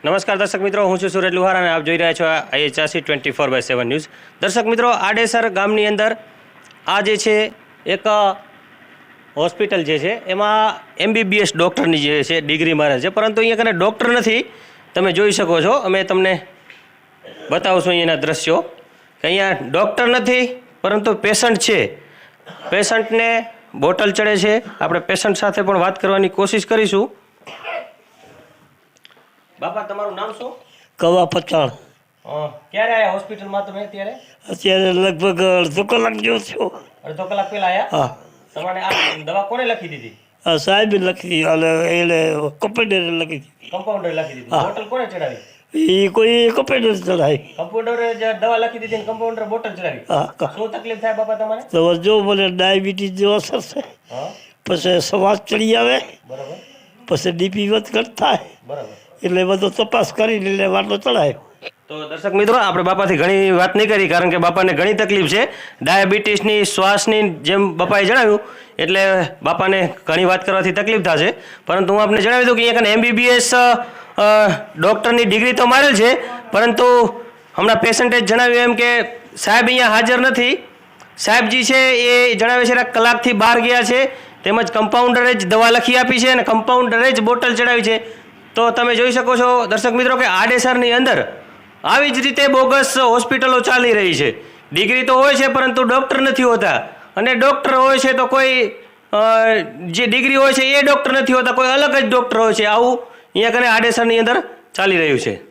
નમસ્કાર દર્શક મિત્રો, હું છું સુરજ લુહાર અને આપ જોઈ રહ્યા છો IHRC 24/7 ન્યૂઝ। દર્શક મિત્રો, આડેસર ગામની અંદર આ જે છે એક હોસ્પિટલ જે છે એમાં MBBS ડૉક્ટરની જે છે ડિગ્રી મારે છે, પરંતુ અહીંયા કને ડૉક્ટર નથી। તમે જોઈ શકો છો, અમે તમને બતાવશું અહીંયાના દ્રશ્યો કે અહીંયા ડૉક્ટર નથી પરંતુ પેશન્ટ છે। પેશન્ટને બોટલ ચડે છે। આપણે પેશન્ટ સાથે પણ વાત કરવાની કોશિશ કરીશું। બાપા, તમારું નામ શું? કવા પચાણ। ક્યારે આયા હોસ્પિટલમાં તમે? અત્યારે લગભગ અડધો કલાક જેવો થયો। અડધો કલાક પહેલા આયા? હા। તમારે આ દવા કોને લખી દીધી? સાહેબે લખી અને એને કમ્પાઉન્ડરે લખી દીધી। કમ્પાઉન્ડરે લખી દીધી। બોટલ કોને ચડાવી? એ કોઈ કમ્પાઉન્ડર ચડાવી। કમ્પાઉન્ડરે જે દવા લખી દીધી ને કમ્પાઉન્ડરે બોટલ ચડાવી? હા। શું તકલીફ થાય બાપા તમારે? તો જો મને ડાયાબિટીસ જેવો અસર છે, પછી શ્વાસ ચડી આવે, બરાબર, પછી DP વધઘટ થાય, બરાબર, એટલે બધો તપાસ કરીને એટલે વાટલો ચડાયો। તો દર્શક મિત્રો, આપણે બાપાથી ઘણી વાત નહીં કરી કારણ કે બાપાને ઘણી તકલીફ છે ડાયાબિટીસની, શ્વાસની, જેમ બાપાએ જણાવ્યું એટલે બાપાને ઘણી વાત કરવાથી તકલીફ થશે। પરંતુ હું આપને જણાવી દઉં કે અહીંયા MBBS ડૉક્ટરની ડિગ્રી તો મારેલ છે, પરંતુ હમણાં પેશન્ટે જણાવ્યું એમ કે સાહેબ અહીંયા હાજર નથી। સાહેબજી છે એ જણાવે છે કે કલાકથી બહાર ગયા છે, તેમજ કમ્પાઉન્ડરે જ દવા લખી આપી છે અને કમ્પાઉન્ડરે જ બોટલ ચડાવી છે। તો તમે જોઈ શકો છો દર્શક મિત્રો કે આડેસરની અંદર આવી જ રીતે બોગસ હોસ્પિટલો ચાલી રહી છે। ડિગ્રી તો હોય છે પરંતુ ડૉક્ટર નથી હોતા, અને ડૉક્ટર હોય છે તો કોઈ જે ડિગ્રી હોય છે એ ડૉક્ટર નથી હોતા, કોઈ અલગ જ ડૉક્ટર હોય છે। આવું અહીંયા કને આડેસરની અંદર ચાલી રહ્યું છે।